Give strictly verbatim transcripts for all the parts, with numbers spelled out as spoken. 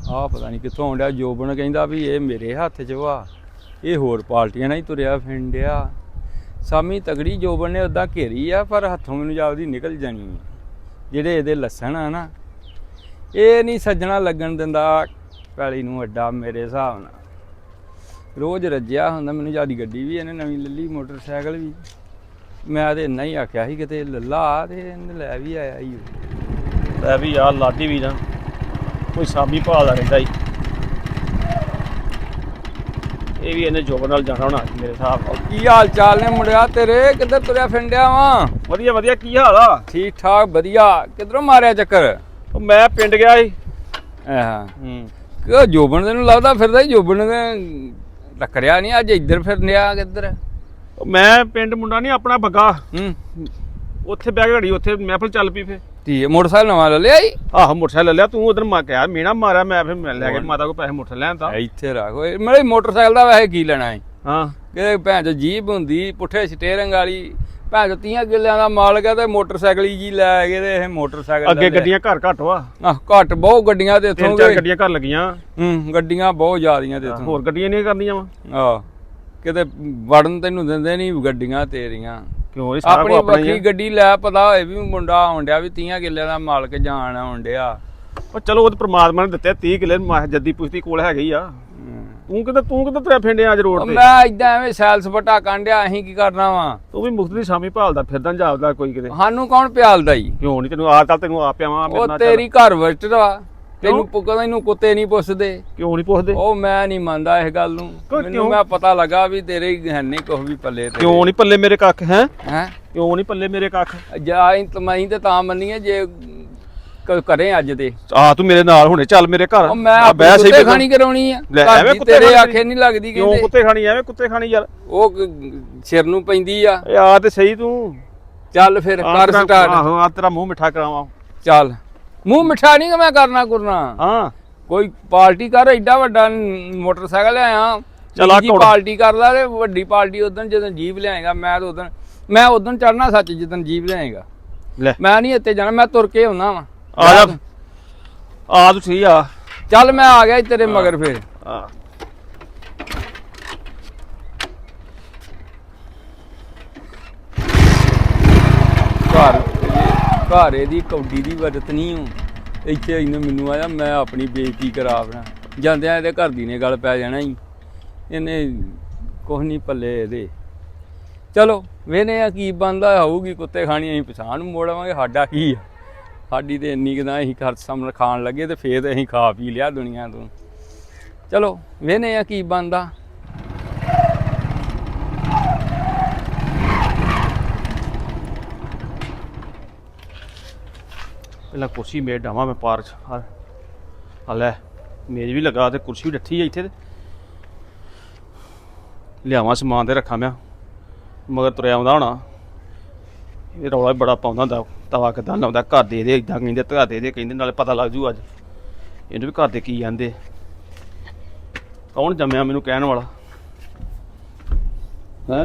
ਆਹ ਪਤਾ ਨਹੀਂ ਕਿੱਥੋਂ ਆਉਂਦਾ। ਜੋਬਨ ਕਹਿੰਦਾ ਵੀ ਇਹ ਮੇਰੇ ਹੱਥ 'ਚ ਵਾ, ਇਹ ਹੋਰ ਪਾਰਟੀਆਂ ਨਾਲ ਹੀ ਤੁਰਿਆ ਫਿਰਦਿਆ। ਸਾਮੀ ਤਗੜੀ ਜੋਬਨ ਨੇ ਉੱਦਾਂ ਘੇਰੀ ਆ, ਪਰ ਹੱਥੋਂ ਮੈਨੂੰ ਜਾਪਦੀ ਨਿਕਲ ਜਾਣੀ ਹੈ। ਜਿਹੜੇ ਇਹਦੇ ਲੱਸਣ ਆ ਨਾ, ਇਹ ਨਹੀਂ ਸੱਜਣਾ ਲੱਗਣ ਦਿੰਦਾ ਪੈਲੀ ਨੂੰ ਅੱਡਾ। ਮੇਰੇ ਹਿਸਾਬ ਨਾਲ ਰੋਜ਼ ਰੱਜਿਆ ਹੁੰਦਾ। ਮੈਨੂੰ ਜਿਆਦੀ ਗੱਡੀ ਵੀ ਇਹਨੇ ਨਵੀਂ ਲੈ ਲਈ, ਮੋਟਰਸਾਈਕਲ ਵੀ। ਮੈਂ ਤਾਂ ਇੰਨਾ ਹੀ ਆਖਿਆ ਸੀ ਕਿਤੇ ਲੱਲਾ, ਤੇ ਇਹਨੇ ਲੈ ਵੀ ਆਇਆ ਹੀ। ਲੈ ਵੀ ਯਾਰ ਲਾਡੀ ਵੀ ਨਾ ਕੋਈ ਸਾਮੀ ਭਾਲਦਾ ਰਹਿੰਦਾ ਹੀ। ਇਹ ਵੀ ਇਹਨੇ ਜੋਬਨ ਨਾਲ ਜਾਣਾ ਹੋਣਾ ਮੇਰੇ ਹਿਸਾਬ ਨਾਲ। ਕੀ ਹਾਲ ਚਾਲ ਨੇ ਮੁੰਡਿਆ ਤੇਰੇ? ਕਿੱਧਰ ਤੁਰਿਆ ਫਿਰਦਿਆ ਵਾ? ਵਧੀਆ ਵਧੀਆ। ਕੀ ਹਾਲ ਆ? ਠੀਕ ਠਾਕ ਵਧੀਆ। ਕਿੱਧਰੋਂ ਮਾਰਿਆ ਚੱਕਰ? ਉਹ ਮੈਂ ਪਿੰਡ ਗਿਆ ਸੀ। ਹਾਂ ਹੂੰ ਕਿ ਜੋਬਨ ਤੈਨੂੰ ਲੱਗਦਾ ਫਿਰਦਾ ਹੀ? ਜੋਬਨ ਨੇ ਟੱਕਰਿਆ ਨਹੀਂ ਅੱਜ ਇੱਧਰ ਫਿਰਨਿਆ ਕਿੱਧਰ? ਮੈਂ ਪਿੰਡ ਮੁੰਡਾ ਨਹੀਂ ਆਪਣਾ ਬੱਗਾ, ਹੂੰ ਉੱਥੇ ਬਹਿ ਕੇ ਘੜੀ ਉੱਥੇ ਮਹਿਫਲ ਚੱਲ ਪਈ। ਫੇ ਠੀਕ ਹੈ। ਮੋਟਰਸਾਈਕਲ ਨਵਾਂ ਲੈ ਲਿਆ ਜੀ? ਆਹੋ ਮੋਟਰਸਾਈਕਲ ਲੈ ਲਿਆ। ਤੂੰ ਉਧਰ ਮੈਂ ਕਿਹਾ ਮੀਣਾ ਮਾਰਿਆ, ਮੈਂ ਫਿਰ ਮੈਂ ਲੈ ਕੇ ਮਾਤਾ ਕੋਲ ਪੈਸੇ ਮੋਟਰ ਲੈਣ ਤਾਂ ਇੱਥੇ ਰੱਖ ਓਏ। ਮੇਰੇ ਮੋਟਰਸਾਈਕਲ ਦਾ ਵੈਸੇ ਕੀ ਲੈਣਾ ਹੈ? ਹਾਂ ਕਿ ਭੈਣ ਚੋ ਜੀਪ ਹੁੰਦੀ ਪੁੱਠੇ ਸਟੇਰਿੰਗ ਵਾਲੀ, ਭੈਣ ਚੋ ਤੀਆਂ ਕਿੱਲਿਆਂ ਦਾ ਮਾਲਕ ਹੈ ਤੇ ਮੋਟਰਸਾਈਕਲ ਹੀ ਜੀ ਲੈ ਕੇ ਤੇ ਇਹ ਮੋਟਰਸਾਈਕਲ ਅੱਗੇ ਗੱਡੀਆਂ ਘਰ ਘੱਟ ਵਾ। ਆਹ ਘੱਟ ਬਹੁਤ ਗੱਡੀਆਂ ਤੇ ਤਿੰਨ ਇੱਥੋਂ ਚਾਰ ਗੱਡੀਆਂ ਘਰ ਲੱਗੀਆਂ। ਹੂੰ ਗੱਡੀਆਂ ਬਹੁਤ ਜ਼ਿਆਦੀਆਂ ਤੇ ਇੱਥੋਂ। ਹੋਰ ਗੱਡੀਆਂ ਨਹੀਂ ਕਰਨੀਆਂ ਵਾ। ਆਹ ਕਿਤੇ ਵੜਨ ਤੈਨੂੰ ਦਿੰਦੇ ਨਹੀਂ ਗੱਡੀਆਂ ਤੇਰੀਆਂ। ਕਿਉਂ ਇਹ ਸਾਰਾ ਆਪਣੀ ਕੁਝ ਆਪਣਾ ਹੀ ਵੱਖਰੀ ਗੱਡੀ ਲੈ, ਪਤਾ ਹੋਏ ਵੀ ਮੁੰਡਾ ਆਉਣ ਡਿਆ ਵੀ ਤੀਆਂ ਕਿੱਲਿਆਂ ਦਾ ਮਾਲਕ ਜਾਣ ਆਉਣ ਡਿਆ। ਉਹ ਚਲੋ ਉਹ ਤਾਂ ਪ੍ਰਮਾਤਮਾ ਨੇ ਦਿੱਤੇ ਤੀਹ ਕਿੱਲੇ ਜੱਦੀ ਪੁਸ਼ਤੀ ਕੋਲ ਹੈਗੇ ਹੀ ਆ। ਤੂੰ ਕਿਤੇ ਤੂੰ ਕਿਤੇ ਤੁਰਿਆ ਫਿਰਦੇ ਅੱਜ ਰੋਡ ਤੇ? ਮੈਂ ਇਦਾਂ ਐਵੇਂ ਸੈਲ ਸਪਾਟਾ ਕਾਂਡਿਆ। ਅਸੀਂ ਕੀ ਕਰਨਾ ਵਾ? ਤੂੰ ਵੀ ਮੁਖਤ ਦੀ ਸਾਮੀ ਭਾਲਦਾ ਫਿਰਦਾ ਜਾਪਦਾ ਕੋਈ ਕਿਤੇ। ਸਾਨੂੰ ਕੌਣ ਪਿਆਲਦਾ ਈ? ਕਿਉਂ ਨਹੀਂ ਤੈਨੂੰ ਆ ਚੱਲ ਤੈਨੂੰ ਆ ਪਿਆਵਾਂ ਮੇਰੇ ਉਹ ਨਾਲ। ਤੇਰੀ ਘਰ ਵਿੱਚ ਵਾ, ਤੈਨੂੰ ਪੁੱਕਦਾ ਇਹਨੂੰ ਕੁੱਤੇ ਨਹੀਂ ਪੁੱਛਦੇ। ਕਿਉਂ ਨਹੀਂ ਪੁੱਛਦੇ? ਉਹ ਮੈਂ ਨਹੀਂ ਮੰਨਦਾ ਇਸ ਗੱਲ ਨੂੰ। ਮੈਨੂੰ ਮੈਂ ਪਤਾ ਲੱਗਾ ਵੀ ਤੇਰੇ ਹੈ ਨਹੀਂ ਕੁਛ ਵੀ ਪੱਲੇ ਤੇ। ਕਿਉਂ ਨਹੀਂ ਪੱਲੇ ਮੇਰੇ ਕੱਖ ਹੈ? ਹੈ ਕਿਉਂ ਨਹੀਂ ਪੱਲੇ ਮੇਰੇ ਕੱਖ? ਜਾ ਤਮਾਈ ਤੇ ਤਾਂ ਮੰਨੀਏ ਜੇ ਕਰੇ ਅੱਜ ਤੇ। ਆ ਤੂੰ ਮੇਰੇ ਨਾਲ ਹੁਣੇ ਚੱਲ ਮੇਰੇ ਘਰ। ਉਹ ਮੈਂ ਕੁੱਤੇ ਖਾਣੀ ਕਰਾਉਣੀ ਆ। ਐਵੇਂ ਕੁੱਤੇ ਤੇਰੇ ਆਖੇ ਨਹੀਂ ਲੱਗਦੀ। ਕਿਉਂ ਕੁੱਤੇ ਖਾਣੀ? ਐਵੇਂ ਕੁੱਤੇ ਖਾਣੀ ਯਾਰ। ਉਹ ਸਿਰ ਨੂੰ ਪੈਂਦੀ ਆ। ਏ ਆ ਤੇ ਸਹੀ ਤੂੰ। ਚੱਲ ਫਿਰ ਕਰ ਸਟਾਰਟ। ਆਹੋ ਆ ਤੇਰਾ ਮੂੰਹ ਮਿੱਠਾ ਕਰਾਵਾਂ। ਚੱਲ ਮੂੰਹ ਮਿੱਠਾ ਨਹੀਂ ਮੈਂ ਕਰਨਾ ਕਰਨਾ। ਹਾਂ ਕੋਈ ਪਾਰਟੀ ਕਰ। ਐਡਾ ਵੱਡਾ ਮੋਟਰਸਾਈਕਲ ਲਿਆਇਆ, ਚੱਲ ਆ ਜੀ ਪਾਰਟੀ ਕਰ ਲਾ ਤੇ ਵੱਡੀ ਪਾਰਟੀ ਉਦੋਂ ਜਦੋਂ ਜੀਪ ਲਿਆਏਗਾ। ਮੈਂ ਤਾਂ ਉਦੋਂ ਮੈਂ ਉਦੋਂ ਚੜਨਾ ਸੱਚ ਜਦੋਂ ਜੀਪ ਲਿਆਏਗਾ। ਲੈ ਮੈਂ ਨਹੀਂ ਇੱਥੇ ਜਾਣਾ, ਮੈਂ ਤੁਰ ਕੇ ਆਉਣਾ ਵਾ। ਆ ਜਾ ਆ ਤੂੰ ਸਹੀ ਆ। ਚੱਲ ਮੈਂ ਆ ਗਿਆ ਤੇਰੇ ਮਗਰ ਫਿਰ। ਹਾਂ ਘਰ ਘਰ ਇਹਦੀ ਕੌਡੀ ਦੀ ਵਰਤ ਨਹੀਂ ਹੂੰ। ਇੱਥੇ ਇਹਨੇ ਮੈਨੂੰ ਆਇਆ ਮੈਂ ਆਪਣੀ ਬੇਇੱਜ਼ਤੀ ਕਰਾ ਬਣਾ। ਜਾਂਦਿਆਂ ਇਹਦੇ ਘਰ ਦੀ ਨੇ ਗੱਲ ਪੈ ਜਾਣਾ ਹੀ। ਇਹਨੇ ਕੁਛ ਨਹੀਂ ਪੱਲੇ ਇਹਦੇ। ਚਲੋ ਵੇਖਦੇ ਆ ਕੀ ਬਣਦਾ ਹੋਊਗੀ। ਕੁੱਤੇ ਖਾਣੀ ਅਸੀਂ ਪਛਾਣ ਨੂੰ ਮੋੜਾਂਗੇ। ਸਾਡਾ ਕੀ ਆ? ਸਾਡੀ ਤੇ ਇੰਨੀ ਕੁ ਤਾਂ ਅਸੀਂ ਖਰਚ ਸਾਹਮਣੇ ਖਾਣ ਲੱਗੇ ਤੇ ਫੇਰ ਅਸੀਂ ਖਾ ਪੀ ਲਿਆ ਦੁਨੀਆ ਤੋਂ। ਚਲੋ ਵੇਖਦੇ ਆ ਕੀ ਬਣਦਾ। ਪਹਿਲਾਂ ਕੁਰਸੀ ਮੇਜ਼ ਡਾਵਾਂ ਮੈਂ ਪਾਰਕ ਚ। ਆ ਲੈ ਮੇਜ਼ ਵੀ ਲੱਗਾ ਤੇ ਕੁਰਸੀ ਵੀ ਡੱਠੀ ਆ ਇੱਥੇ। ਤੇ ਲਿਆਵਾਂ ਸਮਾਨ ਤੇ ਰੱਖਾਂ ਮੈਂ ਮਗਰ ਤੁਰਿਆ ਆਉਂਦਾ ਹੋਣਾ। ਇਹ ਰੌਲਾ ਬੜਾ ਪਾਉਂਦਾ ਹੁੰਦਾ। ਤਵਾ ਕਿੱਦਾਂ ਲਾਉਂਦਾ ਘਰ ਦੇ ਦੇ ਇੱਦਾਂ ਕਹਿੰਦੇ ਧਾ ਦੇ ਦੇ ਕਹਿੰਦੇ ਨਾਲੇ ਪਤਾ ਲੱਗ ਜੂ ਅੱਜ ਇਹਨੂੰ ਵੀ ਘਰ ਦੇ ਕੀ ਜਾਂਦੇ। ਕੌਣ ਜੰਮਿਆ ਮੈਨੂੰ ਕਹਿਣ ਵਾਲਾ ਹੈ?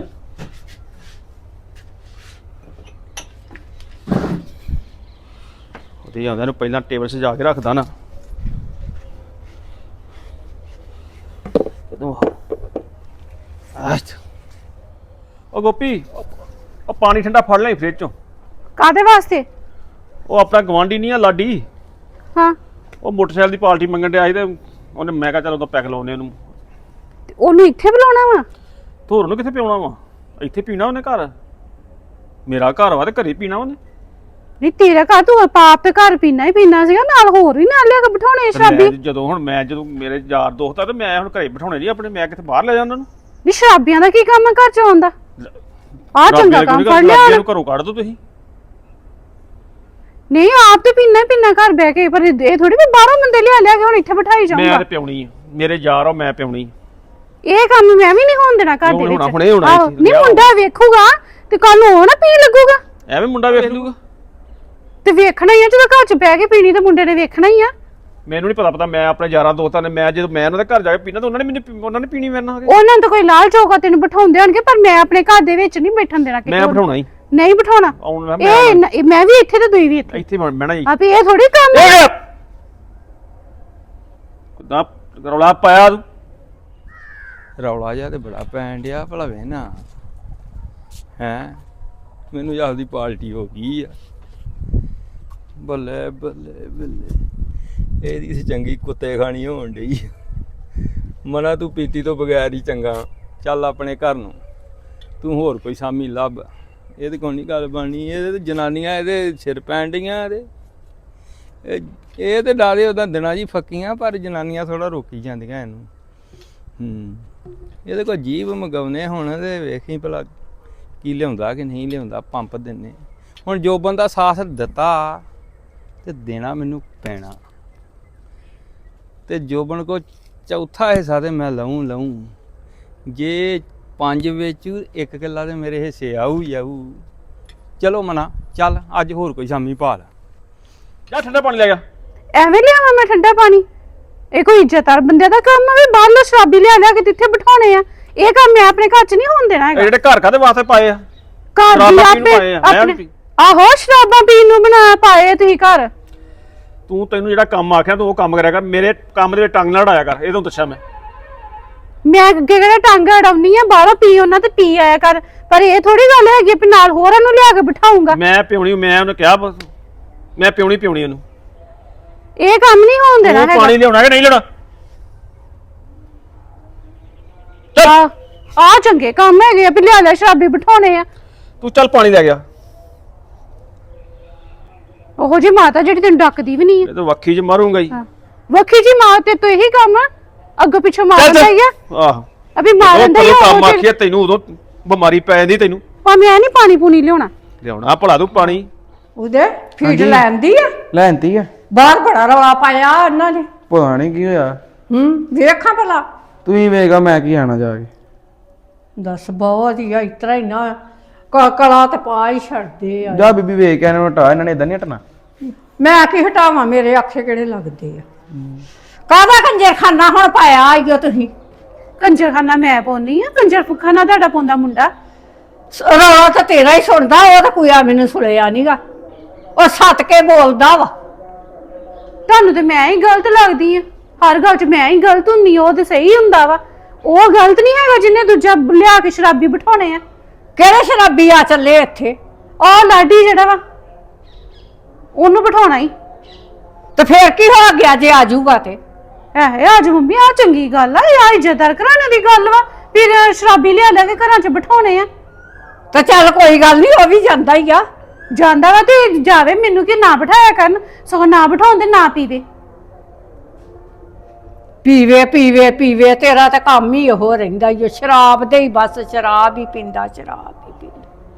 ਉਹਦੇ ਆਉਂਦਾ ਨੂੰ ਪਹਿਲਾਂ ਟੇਬਲ ਸਜਾ ਕੇ ਰੱਖਦਾ ਨਾ। ਕਦੋਂ ਉਹ ਗੋਪੀ ਉਹ ਪਾਣੀ ਠੰਡਾ ਫੜ ਲੈ ਫ੍ਰਿਜ ਚੋਂ। ਕਾਦੇ ਵਾਸਤੇ? ਉਹ ਆਪਣਾ ਗਵਾਂਢੀ ਨਹੀਂ ਆ ਲਾਡੀ? ਹਾਂ ਉਹ ਮੋਟਰਸਾਈਕਲ ਦੀ ਪਾਰਟੀ ਮੰਗਣ ਡਿਆ ਸੀ ਤੇ ਉਹਨੇ ਮੈਂ ਕਿਹਾ ਚਲ ਉਹਦਾ ਪੈਕ ਲਾਉਨੇ ਉਹਨੂੰ। ਉਹਨੂੰ ਇੱਥੇ ਬੁਲਾਉਣਾ ਵਾ? ਧੋਰ ਨੂੰ ਕਿੱਥੇ ਪਿਉਣਾ ਵਾ? ਇੱਥੇ ਪੀਣਾ ਉਹਨੇ ਘਰ। ਮੇਰਾ ਘਰ ਵਾ ਤੇ ਘਰੇ ਪੀਣਾ ਉਹਨੇ। ਨਹੀਂ ਤੇਰਾ ਘਰ ਤੂੰ ਪਾਪ ਤੇ ਘਰ ਪੀਣਾ ਹੀ ਪੀਣਾ ਸੀਗਾ, ਨਾਲ ਹੋਰ ਵੀ ਨਾਲ ਲਿਆ ਕੇ ਬਿਠਾਉਣੇ ਸ਼ਰਾਬੀ। ਜਦੋਂ ਹੁਣ ਮੈਂ ਜਦੋਂ ਮੇਰੇ ਯਾਰ ਦੋਸਤ ਆ ਤੇ ਮੈਂ ਹੁਣ ਘਰੇ ਬਿਠਾਉਣੇ ਨਹੀਂ ਆਪਣੇ। ਮੈਂ ਕਿੱਥੇ ਬਾਹਰ ਲੈ ਜਾਂਦਾ ਉਹਨੂੰ। ਨਹੀਂ ਸ਼ਰਾਬੀਆਂ ਦਾ ਕੀ ਕੰਮ ਹੈ ਘਰ ਚ ਆਉਂਦਾ? ਆਹ ਚੰਗਾ ਕੰਮ ਫੜ ਲਿਆ ਉਹਨੂੰ ਘਰੋਂ ਕੱਢ ਦੋ ਤੁਸੀਂ। ਨਹੀਂ ਆਪ ਤੇ ਪੀਣਾ ਹੀ ਪੀਣਾ ਘਰ ਬਹਿ ਕੇ, ਪਰ ਇਹ ਥੋੜੀ ਵੀ ਬਾਹਰੋਂ ਬੰਦੇ ਲਿਆ ਲਿਆ ਕੇ ਹੁਣ ਇੱਥੇ ਬਿਠਾਈ ਜਾਊਂਗਾ। ਮੈਂ ਤੇ ਪਿਉਣੀ ਆ, ਮੇਰੇ ਯਾਰ ਆ ਮੈਂ ਪਿਉਣੀ। ਇਹ ਕੰਮ ਮੈਂ ਵੀ ਨਹੀਂ ਹੋਣ ਦੇਣਾ ਘਰ ਦੇ ਵਿੱਚ। ਹੁਣੇ ਹੋਣਾ ਨਹੀਂ ਮੁੰਡਾ ਵੇਖੂਗਾ ਤੇ ਕੱਲ ਨੂੰ ਉਹ ਨਾ ਪੀਣ ਲੱਗੂਗਾ। ਐਵੇਂ ਮੁੰਡਾ ਵੇਖ ਲੂਗਾ ਤੇ ਵੇਖਣਾ ਹੀ ਆ, ਜਦੋਂ ਘਰ ਚ ਬਹਿ ਕੇ ਪੀਣੀ ਤੇ ਮੁੰਡੇ ਨੇ ਵੇਖਣਾ ਹੀ ਆ। ਮੈਨੂੰ ਨਹੀਂ ਪਤਾ ਪਤਾ ਮੈਂ ਆਪਣੇ ਯਾਰਾਂ ਦੋਸਤਾਂ ਨੇ ਮੈਂ ਜਦੋਂ ਮੈਂ ਉਹਨਾਂ ਦੇ ਘਰ ਜਾ ਕੇ ਪੀਣਾ ਤਾਂ ਉਹਨਾਂ ਨੇ ਮੈਨੂੰ ਉਹਨਾਂ ਨੇ ਪੀਣੀ ਮੇਰੇ ਨਾਲ। ਉਹਨਾਂ ਨੂੰ ਤਾਂ ਕੋਈ ਲਾਲਚ ਹੋਊਗਾ ਤੈਨੂੰ ਬਿਠਾਉਂਦੇ ਹੋਣਗੇ, ਪਰ ਮੈਂ ਆਪਣੇ ਘਰ ਦੇ ਵਿੱਚ ਨਹੀਂ ਬੈਠਣ ਦੇਣਾ। ਮੈਂ ਬਿਠਾਉਣਾ ਹੀ ਨਹੀਂ ਬਿਠਾਉਣਾ। ਇਹ ਮੈਂ ਵੀ ਇੱਥੇ ਤੇ ਦੂਈ ਵੀ ਇੱਥੇ ਇੱਥੇ ਬਹਿਣਾ ਹੀ। ਆਪੇ ਇਹ ਥੋੜੀ ਕੰਮ ਕਿਦਾਂ ਰੌਲਾ ਪਾਇਆ ਤੂੰ? ਰੌਲਾ ਜਿਹਾ ਤੇ ਬੜਾ ਪੈਣ ਡਿਆ ਭਲਾ ਵੇ ਨਾ ਹੈ ਮੈਨੂੰ ਆਪਦੀ ਪਾਰਟੀ ਹੋ ਗਈ ਆ। ਬੱਲੇ ਬੱਲੇ ਬੱਲੇ ਇਹਦੀ ਸੀ ਚੰਗੀ ਕੁੱਤੇ ਖਾਣੀ ਹੋਣ ਡਈ ਮਨਾ ਤੂੰ ਪੀਤੀ ਤੋਂ ਬਗੈਰ ਹੀ ਚੰਗਾ। ਚੱਲ ਆਪਣੇ ਘਰ ਨੂੰ ਤੂੰ ਹੋਰ ਕੋਈ ਸਾਮੀ ਲੱਭ। ਇਹਦੇ ਕੋਲ ਨਹੀਂ ਗੱਲ ਬਣਨੀ। ਇਹਦੇ ਤੇ ਜਨਾਨੀਆਂ ਇਹਦੇ ਸਿਰ ਪੈਣ ਡਈਆਂ ਇਹਦੇ। ਇਹ ਇਹ ਤੇ ਡਾਰੇ ਉਹਦਾ ਦਿਨਾਂ ਜੀ ਫੱਕੀਆਂ ਪਰ ਜਨਾਨੀਆਂ ਥੋੜਾ ਰੋਕੀ ਜਾਂਦੀਆਂ ਇਹਨੂੰ। ਹੂੰ ਇਹਦੇ ਕੋਲ ਜੀਭ ਮਗਾਉਨੇ ਹੁਣ ਤੇ ਵੇਖੀ ਭਲਾ ਕੀ ਲਿਆਉਂਦਾ ਕਿ ਨਹੀਂ ਲਿਆਉਂਦਾ। ਪੰਪ ਦਿੰਨੇ ਹੁਣ ਜੋਬਨ ਦਾ ਸਾਥ ਦਿੱਤਾ ਤੇ ਦੇਣਾ ਮੈਨੂੰ ਪੈਣਾ। ਤੇ ਜੋਬਨ ਕੋ ਚੌਥਾ ਹਿੱਸਾ ਤੇ ਮੈਂ ਲਊਂ ਲਊਂ। ਜੇ ਪੰਜ ਵਿੱਚ ਇੱਕ ਕਿੱਲਾ ਤੇ ਮੇਰੇ ਹਿੱਸੇ ਆਊ ਹੀ ਆਊ। ਚਲੋ ਮਨਾ ਚੱਲ ਅੱਜ ਹੋਰ ਕੋਈ ਸ਼ਾਮੀ ਭਾਲ। ਜਾ ਠੰਡਾ ਪਾਣੀ ਲੈ ਗਿਆ। ਐਵੇਂ ਲਿਆਵਾਂ ਮੈਂ ਠੰਡਾ ਪਾਣੀ? ਇਹ ਕੋਈ ਇੱਜ਼ਤਦਾਰ ਬੰਦੇ ਦਾ ਕੰਮ ਆ ਵੀ ਬਾਹਰੋਂ ਸ਼ਰਾਬੀ ਲਿਆ ਲਿਆ ਕੇ ਜਿੱਥੇ ਬਿਠਾਉਣੇ ਆ। ਇਹ ਕੰਮ ਮੈਂ ਆਪਣੇ ਘਰ 'ਚ ਨਹੀਂ ਹੋਣ ਦੇਣਾ ਇਹ ਹੈਗਾ। ਜਿਹੜੇ ਘਰ ਕਾਦੇ ਵਾਸਤੇ ਪਾਏ ਆ? ਘਰ ਦੀ ਸ਼ਰਾਬਾਂ ਪੀਣ ਨੂੰ ਆਪੇ ਪਾਏ ਆ, ਮੈਂ ਆਪਣੇ ਵੀ- ਆਹੋ ਸ਼ਰਾਬਾਂ ਪੀਣ ਨੂੰ ਬਣਾ ਪਾਏ ਤੁਸੀਂ ਘਰ। ਤੂੰ ਤੈਨੂੰ ਜਿਹੜਾ ਕੰਮ ਆਖਿਆ ਤੂੰ ਉਹ ਕੰਮ ਕਰਿਆ ਕਰ। ਮੇਰੇ ਕੰਮ ਦੇ ਵਿੱਚ ਟੰਗ ਨਾ ਅੜਾਇਆ ਕਰ। ਇਹ ਤੋਂ ਦੱਸਿਆ ਮੈਂ। ਮੈਂ ਅੱਗੇ ਕਿਹੜਾ ਟੰਗ ਅੜਾਉਣੀ ਆ ਬਾਹਰੋਂ ਪੀ ਉਹਨਾਂ ਤੇ ਪੀ ਆਇਆ ਕਰ। ਪਰ ਇਹ ਥੋੜੀ ਗੱਲ ਹੈਗੀ ਵੀ ਨਾਲ ਹੋਰਾਂ ਨੂੰ ਲਿਆ ਕੇ ਬਿਠਾਉਂਗਾ। ਮੈਂ ਪਿਉਣੀ ਮੈਂ ਉਹਨੂੰ ਕਿਹਾ ਬਸ ਮੈਂ ਪਿਉਣੀ ਪਿਉਣੀ ਉਹਨੂੰ। ਇਹ ਕੰਮ ਨਹੀਂ ਹੋਣ ਦੇਣਾ ਤੂੰ ਹੈਗਾ। ਪਾਣੀ ਲਿਆਉਣਾ ਕਿ ਨਹੀਂ ਲਿਆਉਣਾ? ਆ ਆ ਚੰਗੇ ਕੰਮ ਹੈਗੇ ਆ ਵੀ ਲਿਆ ਲਿਆ ਸ਼ਰਾਬੀ ਬਿਠਾਉਣੇ ਆ। ਤੂੰ ਚੱਲ ਪਾਣੀ ਲੈ ਗਿਆ। ਉਹੋ ਜੀ ਮਾਤਾ ਜਿਹੜੀ ਤੈਨੂੰ ਡੱਕਦੀ ਵੀ ਨਹੀਂ ਇਹ ਤਾਂ ਵੱਖੀ 'ਚ ਮਾਰੂੰਗਾ ਹੀ। ਆ ਵੱਖੀ ਜੀ ਮਾਂ ਤੇ ਤੂੰ ਇਹੀ ਕੰਮ ਆ ਅੱਗੋਂ ਪਿੱਛੋਂ ਮਾਰਦਾ ਹੀ ਆ। ਆਹੋ ਅਭੀ ਮਾਰਨ ਦਾ ਹੀ ਜਦੋਂ ਆ ਕੰਮ ਉਹ ਆਖਿਆ ਤੈਨੂੰ ਉਦੋਂ ਬਿਮਾਰੀ ਪੈ ਜਾਂਦੀ ਤੈਨੂੰ। ਭਾਵੇਂ ਐ ਨਹੀਂ ਪਾਣੀ ਪੂਣੀ ਲਿਆਉਣਾ। ਲਿਆਉਣਾ ਭਲਾ ਤੂੰ ਪਾਣੀ। ਉਹਦੇ ਫੀਡ ਲੈਂਦੀ ਆ ਲੈਂਦੀ ਆ। ਬਾਹਰ ਬੜਾ ਰੌਲਾ ਪਾਇਆ ਉਹਨਾਂ ਨੇ। ਪਤਾ ਨਹੀਂ ਕੀ ਹੋਇਆ। ਹੂੰ ਵੇਖਾਂ ਭਲਾ। ਤੂੰ ਹੀ ਵੇਖਾ ਮੈਂ ਕੀ ਆਣਾ ਜਾ ਕੇ। ਦੱਸ ਬਹੁਤ ਹੀ ਆ ਇਤਰਾ ਹੀ ਨਾ ਕ- ਕਲਾ ਤੇ ਪਾ ਹੀ ਛੱਡਦੇ ਆ। ਜਾ ਬੀਬੀ ਵੇਖ ਕੇ ਇਹਨਾਂ ਨੂੰ ਹਟਾ। ਇਹਨਾਂ ਨੇ ਇਦਾਂ ਨਹੀਂ ਹਟਣਾ। ਮੈਂ ਕੀ ਹਟਾਵਾਂ ਮੇਰੇ ਅੱਖੇ ਕਿਹੜੇ ਲੱਗਦੇ ਆ। ਕਾਹਦਾ ਕੰਜਰਖਾਨਾ ਹੁਣ ਪਾਇਆ ਆਈਓ ਤੁਸੀਂ। ਕੰਜਰਖਾਨਾ ਮੈਂ ਪਾਉਣੀ ਆ। ਕੰਜਰਖਾਨਾ ਤੁਹਾਡਾ ਪਾਉਂਦਾ ਮੁੰਡਾ। ਸ- ਰੌਲਾ ਤਾਂ ਤੇਰਾ ਹੀ ਸੁਣਦਾ। ਉਹ ਤਾਂ ਕੋਈ ਆ ਮੈਨੂੰ ਸੁਣਿਆ ਨਹੀਂਗਾ। ਉਹ ਸੱਤ ਕੇ ਬੋਲਦਾ ਵਾ। ਤੁਹਾਨੂੰ ਤੇ ਮੈਂ ਹੀ ਗਲਤ ਲੱਗਦੀ ਆ। ਹਰ ਗੱਲ 'ਚ ਮੈਂ ਹੀ ਗਲਤ ਹੁੰਨੀ ਆ। ਉਹ ਤੇ ਸਹੀ ਹੁੰਦਾ ਵਾ। ਉਹ ਗਲਤ ਨਹੀਂ ਹੈਗਾ ਜਿਹਨੇ ਦੂਜਾ ਲਿਆ ਕੇ ਸ਼ਰਾਬੀ ਬਿਠਾਉਣੇ ਆ। ਕਿਹੜੇ ਸ਼ਰਾਬੀ ਆ ਚੱਲੇ ਇੱਥੇ? ਉਹ ਲਾਡੀ ਜਿਹੜਾ ਵਾ ਉਹਨੂੰ ਬਿਠਾਉਣਾ ਹੀ। ਤੇ ਫੇਰ ਕੀ ਹੋ ਗਿਆ ਜੇ ਆ ਜਾਊਗਾ ਤੇ? ਐ ਅੱਜ ਮੰਮੀ ਆ ਚੰਗੀ ਗੱਲ ਆ। ਇਹ ਆ ਇੱਜ਼ਤਦਾਰ ਘਰਾਣੇ ਦੀ ਗੱਲ ਵਾ। ਫਿਰ ਸ਼ਰਾਬੀ ਲਿਆ ਲਿਆ ਕੇ ਘਰਾਂ 'ਚ ਬਿਠਾਉਣੇ ਆ। ਤੇ ਚੱਲ ਕੋਈ ਗੱਲ ਨਹੀਂ ਉਹ ਵੀ ਜਾਂਦਾ ਹੀ ਆ। ਜਾਂਦਾ ਵਾ ਤੇ ਜਾਵੇ। ਮੈਨੂੰ ਕੀ ਨਾ ਬਿਠਾਇਆ ਕਰਨ। ਸਗੋਂ ਨਾ ਬਿਠਾਉਣ ਤੇ ਨਾ ਪੀਵੇ। ਪੀਵੇ ਪੀਵੇ ਪੀਵੇ ਤੇਰਾ ਤਾਂ ਕੰਮ ਹੀ ਉਹ ਰਹਿੰਦਾ ਈ ਓ। ਸ਼ਰਾਬ ਦੇ ਹੀ ਬਸ ਸ਼ਰਾਬ ਹੀ ਪੀਂਦਾ ਸ਼ਰਾਬ ਹੀ ਪੀਂਦਾ।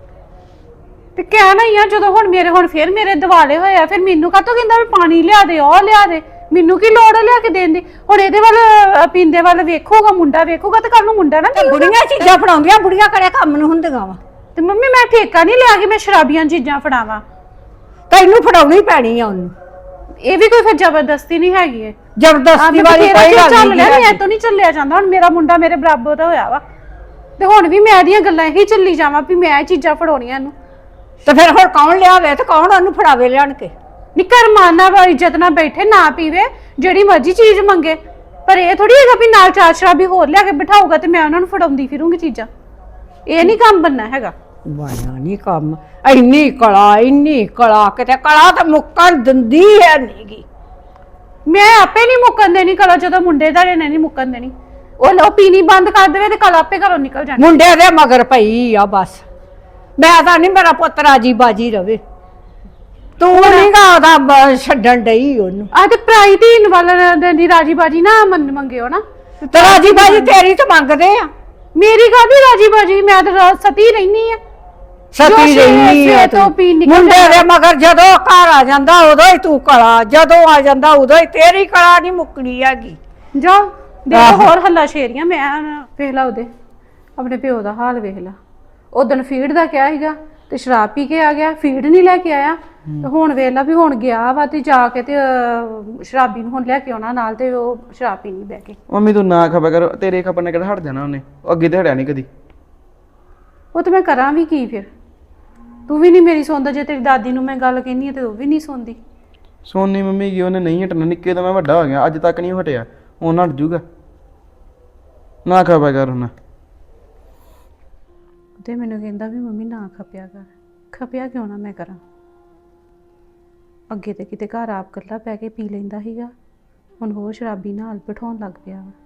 ਤੇ ਕਹਿਣਾ ਹੀ ਆ ਜਦੋਂ ਹੁਣ ਮੇਰੇ ਹੁਣ ਫਿਰ ਮੇਰੇ ਦਿਵਾਲੇ ਹੋਏ ਆ। ਫਿਰ ਮੈਨੂੰ ਕਾਹਤੋਂ ਕਹਿੰਦਾ ਵੀ ਪਾਣੀ ਲਿਆ ਦੇ ਉਹ ਲਿਆ ਦੇ। ਮੈਨੂੰ ਕੀ ਲੋੜ ਆ ਲਿਆ ਕੇ ਦੇਣ ਦੀ। ਹੁਣ ਇਹਦੇ ਵੱਲ ਅ, ਪੀਂਦੇ ਵੱਲ ਵੇਖੂਗਾ ਮੁੰਡਾ ਵੇਖੂਗਾ ਤੇ ਕੱਲ ਨੂੰ ਮੁੰਡਾ ਨਾ ਪੀਊਗਾ। ਬੁੜੀਆਂ ਚੀਜ਼ਾਂ ਫੜਾਉਂਦੀਆਂ ਬੁੜੀਆਂ ਕਿਹੜੇ ਕੰਮ ਨੂੰ ਹੁੰਦੀਆਂ ਵਾ। ਤੇ ਮੰਮੀ ਮੈਂ ਠੇਕਾ ਨਹੀਂ ਲਿਆ ਕਿ ਮੈਂ ਸ਼ਰਾਬੀਆਂ ਚੀਜ਼ਾਂ ਫੜਾਵਾਂ। ਤੈਨੂੰ ਫੜਾਉਣੀ ਪੈਣੀ ਆ ਉਹਨੂੰ। ਇਹ ਵੀ ਕੋਈ ਫਿਰ ਜ਼ਬਰਦਸਤੀ ਨਹੀਂ ਹੈਗੀ ਹੈ। ਜ਼ਬਰਦਸਤੀ ਵਾਲੀ ਕੋਈ ਗੱਲ ਚੱਲ ਨਹੀਂ ਲਿਆ ਹੈ। ਮੈਂ ਤੋਂ ਨਹੀਂ ਚੱਲਿਆ ਜਾਂਦਾ। ਹੁਣ ਮੇਰਾ ਮੁੰਡਾ ਮੇਰੇ ਬਰਾਬਰ ਦਾ ਹੋਇਆ ਵਾ ਤੇ ਹੁਣ ਵੀ ਮੈਂ ਇਹਦੀਆਂ ਗੱਲਾਂ ਇਹੀ ਚੱਲੀ ਜਾਵਾਂ ਵੀ ਮੈਂ ਇਹ ਚੀਜ਼ਾਂ ਫੜਾਉਣੀਆਂ ਇਹਨੂੰ। ਤੇ ਫਿਰ ਹੁਣ ਕੌਣ ਲਿਆਵੇ ਤੇ ਕੌਣ ਉਹਨੂੰ ਫੜਾਵੇ ਲਿਆਣ ਕੇ? ਨਿੱਕਰ ਮਾਨਾ ਵਾ ਇੱਜ਼ਤ ਨਾਲ ਬੈਠੇ ਨਾ ਪੀਵੇ ਜਿਹੜੀ ਮਰਜ਼ੀ ਚੀਜ਼ ਮੰਗੇ। ਪਰ ਇਹ ਥੋੜੀ ਹੈਗਾ ਵੀ ਨਾਲ ਚਾਰ ਸ਼ਰਾਬੀ ਹੋਰ ਲਿਆ ਕੇ ਬਿਠਾਊਗਾ ਤੇ ਮੈਂ ਉਹਨਾਂ ਨੂੰ ਫੜਾਉਂਦੀ ਫਿਰੂੰਗੀ ਚੀਜ਼ਾਂ। ਇਹ ਨਹੀਂ ਕੰਮ ਬੰਨਾ ਹੈਗਾ। ਬਾਇਆ ਨਹੀਂ ਕੰਮ। ਇੰਨੀ ਕਲਾ ਇੰਨੀ ਕਲਾ ਕਿਤੇ ਕਲਾ ਤਾਂ ਮੁੱਕਣ ਦਿੰਦੀ ਹੈ ਨਹੀਂਗੀ। ਮੈਂ ਆਪੇ ਨਹੀਂ ਮੁੱਕਣ ਦੇਣੀ ਕਲਾ। ਜਦੋਂ ਮੁੰਡੇ ਦਾ ਨੇ ਨਹੀਂ ਮੁੱਕਣ ਦੇਣੀ। ਉਹ ਲੋ ਪੀਣੀ ਬੰਦ ਕਰ ਦੇਵੇ ਤੇ ਕਲਾ ਆਪੇ ਘਰੋਂ ਨਿਕਲ ਜਾਣੀ। ਮੁੰਡੇ ਦੇ ਮਗਰ ਪਈ ਆ ਬਸ। ਮੈਂ ਤਾਂ ਨਹੀਂ ਮੇਰਾ ਪੁੱਤ ਰਾਜੀ ਬਾਜੀ ਰਵੇ। ਤੂੰ ਨਹੀਂਗਾ ਉਹਦਾ ਬ- ਛੱਡਣ ਡਈ ਉਹਨੂੰ। ਆ ਤੇ ਪ੍ਰਾਈ ਧੀਨ ਵਾਲਾ ਦੀ ਰਾਜੀ ਬਾਜੀ ਨਾ ਮੰਨ ਮੰਗਿਓ ਨਾ। ਤੇ ਰਾਜੀ ਬਾਜੀ ਤੇਰੀ ਤਾਂ ਮੰਗਦੇ ਆ। ਮੇਰੀ ਕਾਹਦੀ ਰਾਜੀ ਬਾਜੀ। ਮੈਂ ਤਾਂ ਰਾਤ ਸਤੀ ਰਹਿਨੀ ਆ। ਸਤੀ ਜੋ ਰਹੀ ਸਵੇਰ ਆ ਤੋਂ ਤੂੰ। ਪੀ ਨਿਕਲ ਮੁੰਡੇ ਦੇ ਜਾਂਦਾ। ਮਗਰ ਜਦੋਂ ਘਰ ਆ ਜਾਂਦਾ ਉਦੋਂ ਹੀ ਤੂੰ ਕਲਾ। ਜਦੋਂ ਆ ਜਾਂਦਾ ਉਦੋਂ ਹੀ ਤੇਰੀ ਕਲਾ ਨਹੀਂ ਮੁੱਕਣੀ ਹੈਗੀ। ਜਾ ਦੇਖ ਆਹੋ। ਹੋਰ ਹੱਲਾ ਸ਼ੇਰੀਆਂ। ਮੈਂ ਨਾ ਵੇਖ ਲਾ ਉਹਦੇ ਆਪਣੇ ਪਿਓ ਦਾ ਹਾਲ ਵੇਖ ਲਾ। ਉਦੋਂ ਫੀਡ ਦਾ ਕਿਹਾ ਸੀਗਾ ਤੇ ਸ਼ਰਾਬ ਪੀ ਕੇ ਆ ਗਿਆ। ਫੀਡ ਨਹੀਂ ਲੈ ਕੇ ਆਇਆ ਤੇ ਹੁਣ ਵੇਖ ਲਾ ਵੀ ਹੁਣ ਗਿਆ ਵਾ ਤੇ ਜਾ ਕੇ ਤੇ ਅਹ, ਸ਼ਰਾਬੀ ਨੂੰ ਹੁਣ ਲੈ ਕੇ ਆਉਣਾ ਨਾਲ ਤੇ ਉਹ ਸ਼ਰਾਬ ਪੀਣੀ ਬਹਿ ਕੇ। ਮੰਮੀ ਤੂੰ ਨਾ ਖਪਿਆ ਕਰ। ਤੇਰੇ ਖਪਣ ਨੇ ਕਿਹੜਾ ਹਟ ਜਾਣਾ ਉਹਨੇ। ਉਹ ਅੱਗੇ ਤੇ ਹਟਿਆ ਨਹੀਂ ਕਦੀ। ਉਹ ਤੇ ਮੈਂ ਕਰਾਂ ਵੀ ਕੀ ਫਿਰ। ਤੂੰ ਵੀ ਨਹੀਂ ਮੇਰੀ ਸੁਣਦਾ। ਜੇ ਤੇਰੀ ਦਾਦੀ ਨੂੰ ਮੈਂ ਗੱਲ ਕਹਿੰਦੀ ਆ ਤੇ ਉਹ ਵੀ ਨਹੀਂ ਸੁਣਦੀ। ਸੋਨੀ ਮੰਮੀ ਕੀ ਉਹਨੇ ਨਹੀਂ ਹਟਣਾ। ਨਿੱਕੇ ਤੋਂ ਮੈਂ ਵੱਡਾ ਹੋ ਗਿਆ ਅੱਜ ਤੱਕ ਨਹੀਂ ਉਹ ਹਟਿਆ। ਉਹਨਾਂ ਹਟ ਜੂਗਾ। ਨਾ ਖਾਪਿਆ ਕਰ ਹੁਣ। ਤੇ ਮੈਨੂੰ ਕਹਿੰਦਾ ਵੀ ਮੰਮੀ ਨਾ ਖਪਿਆ ਕਰ। ਖਪਿਆ ਕਿਉਂ ਨਾ ਮੈਂ ਕਰਾਂ? ਅੱਗੇ ਤੇ ਕਿਤੇ ਘਰ ਆਪ ਇਕੱਲਾ ਪੈ ਕੇ ਪੀ ਲੈਂਦਾ ਸੀਗਾ, ਹੁਣ ਹੋਰ ਸ਼ਰਾਬੀ ਨਾਲ ਬਿਠਾਉਣ ਲੱਗ ਪਿਆ ਵਾ।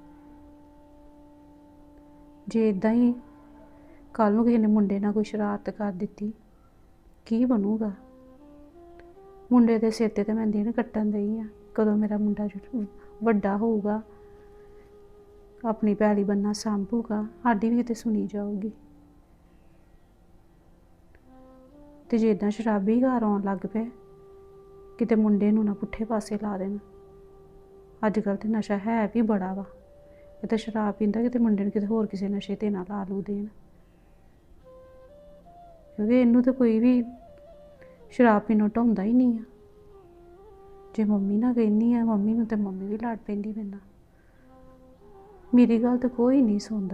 ਜੇ ਇਦਾਂ ਹੀ ਕੱਲ ਨੂੰ ਕਿਸੇ ਨੇ ਮੁੰਡੇ ਨਾਲ ਕੋਈ ਸ਼ਰਾਰਤ ਕਰ ਦਿੱਤੀ, ਕੀ ਬਣੂਗਾ? ਮੁੰਡੇ ਦੇ ਸਿਰ ਤੇ ਤਾਂ ਮੈਂ ਦਿਨ ਕੱਟਣ ਦਈ ਆ। ਕਦੋਂ ਮੇਰਾ ਮੁੰਡਾ ਜਦੋਂ ਵੱਡਾ ਹੋਊਗਾ, ਆਪਣੀ ਪੈਲੀ ਬੰਨਾ ਸਾਂਭੂਗਾ, ਸਾਡੀ ਵੀ ਕਿਤੇ ਸੁਣੀ ਜਾਊਗੀ। ਤੇ ਜੇ ਇਦਾਂ ਸ਼ਰਾਬੀ ਘਰ ਆਉਣ ਲੱਗ ਪਏ, ਕਿਤੇ ਮੁੰਡੇ ਨੂੰ ਨਾ ਪੁੱਠੇ ਪਾਸੇ ਲਾ ਦੇਣ। ਅੱਜ ਕੱਲ੍ਹ ਤੇ ਨਸ਼ਾ ਹੈ ਵੀ ਬੜਾ ਵਾ। ਇਹ ਤਾਂ ਸ਼ਰਾਬ ਪੀਂਦਾ, ਕਿਤੇ ਮੁੰਡੇ ਨੂੰ ਕਿਤੇ ਹੋਰ ਕਿਸੇ ਨਸ਼ੇ ਤੇ ਨਾ ਲਾ ਲੂ ਦੇਣ। ਕਿਉਂਕਿ ਇਹਨੂੰ ਤਾਂ ਕੋਈ ਵੀ ਸ਼ਰਾਬ ਪੀਣੋਂ ਢਾਉਂਦਾ ਹੀ ਨਹੀਂ ਆ। ਜੇ ਮੰਮੀ ਨਾਲ ਕਹਿੰਦੀ ਆ ਮੰਮੀ ਨੂੰ, ਤੇ ਮੰਮੀ ਵੀ ਲੜ ਪੈਂਦੀ ਮੇਰੇ ਨਾਲ। ਮੇਰੀ ਗੱਲ ਤਾਂ ਕੋਈ ਨਹੀਂ ਸੁਣਦਾ।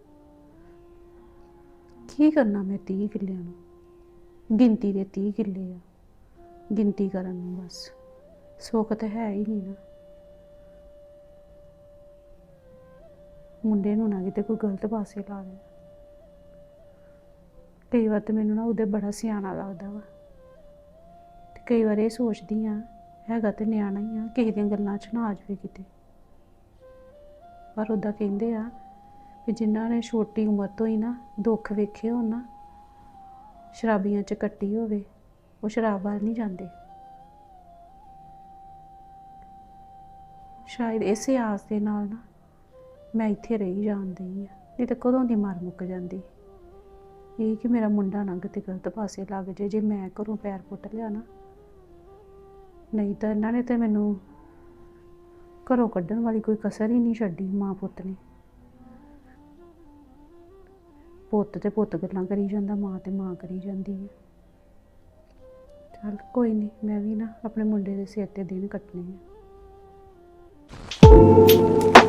ਕੀ ਕਰਨਾ ਮੈਂ ਤੀਹ ਕਿੱਲਿਆਂ ਨੂੰ? ਗਿਣਤੀ ਦੇ ਤੀਹ ਕਿੱਲੇ ਆ, ਗਿਣਤੀ ਕਰਨ ਨੂੰ ਬਸ। ਸੁੱਖ ਤਾਂ ਹੈ ਹੀ ਨਹੀਂ ਨਾ। ਮੁੰਡੇ ਨੂੰ ਨਾ ਕਿਤੇ ਕੋਈ ਗਲਤ ਪਾਸੇ ਲਾ ਦੇ। ਕਈ ਵਾਰ ਤਾਂ ਮੈਨੂੰ ਨਾ ਉਹਦੇ ਬੜਾ ਸਿਆਣਾ ਲੱਗਦਾ ਵਾ। ਤੇ ਕਈ ਵਾਰ ਇਹ ਸੋਚਦੀ ਆ, ਹੈਗਾ ਤੇ ਨਿਆਣਾ ਹੀ ਆ, ਕਿਸੇ ਦੀਆਂ ਗੱਲਾਂ 'ਚ ਨਾ ਆ ਜਾਵੇ ਕਿਤੇ। ਪਰ ਉੱਦਾਂ ਕਹਿੰਦੇ ਆ ਵੀ ਜਿਨ੍ਹਾਂ ਨੇ ਛੋਟੀ ਉਮਰ ਤੋਂ ਹੀ ਨਾ ਦੁੱਖ ਵੇਖੇ ਹੋਣ ਨਾ, ਸ਼ਰਾਬੀਆਂ 'ਚ ਕੱਟੀ ਹੋਵੇ, ਉਹ ਸ਼ਰਾਬ ਵੱਲ ਨਹੀਂ ਜਾਂਦੇ। ਸ਼ਾਇਦ ਇਸੇ ਆਸ ਦੇ ਨਾਲ ਨਾ ਮੈਂ ਇੱਥੇ ਰਹੀ ਜਾਂਦੀ ਆ, ਨਹੀਂ ਤਾਂ ਕਦੋਂ ਦੀ ਮਰ ਮੁੱਕ ਜਾਂਦੀ। ਇਹ ਕਿ ਮੇਰਾ ਮੁੰਡਾ ਨਾ ਕਿਤੇ ਗਲਤ ਪਾਸੇ ਲੱਗ ਜੇ, ਜੇ ਮੈਂ ਘਰੋਂ ਪੈਰ ਪੁੱਟ ਲਿਆ ਨਾ। ਨਹੀਂ ਤਾਂ ਇਹਨਾਂ ਨੇ ਤਾਂ ਮੈਨੂੰ ਘਰੋਂ ਕੱਢਣ ਵਾਲੀ ਕੋਈ ਕਸਰ ਹੀ ਨਹੀਂ ਛੱਡੀ, ਮਾਂ ਪੁੱਤ ਨੇ। ਪੁੱਤ ਤੇ ਪੁੱਤ ਗੱਲਾਂ ਕਰੀ ਜਾਂਦਾ, ਮਾਂ ਤੇ ਮਾਂ ਕਰੀ ਜਾਂਦੀ ਹੈ। ਚੱਲ ਕੋਈ ਨਹੀਂ, ਮੈਂ ਵੀ ਨਾ ਆਪਣੇ ਮੁੰਡੇ ਦੇ ਸਿਰ ਤੇ ਦਿਨ ਕੱਟਣੇ ਆ।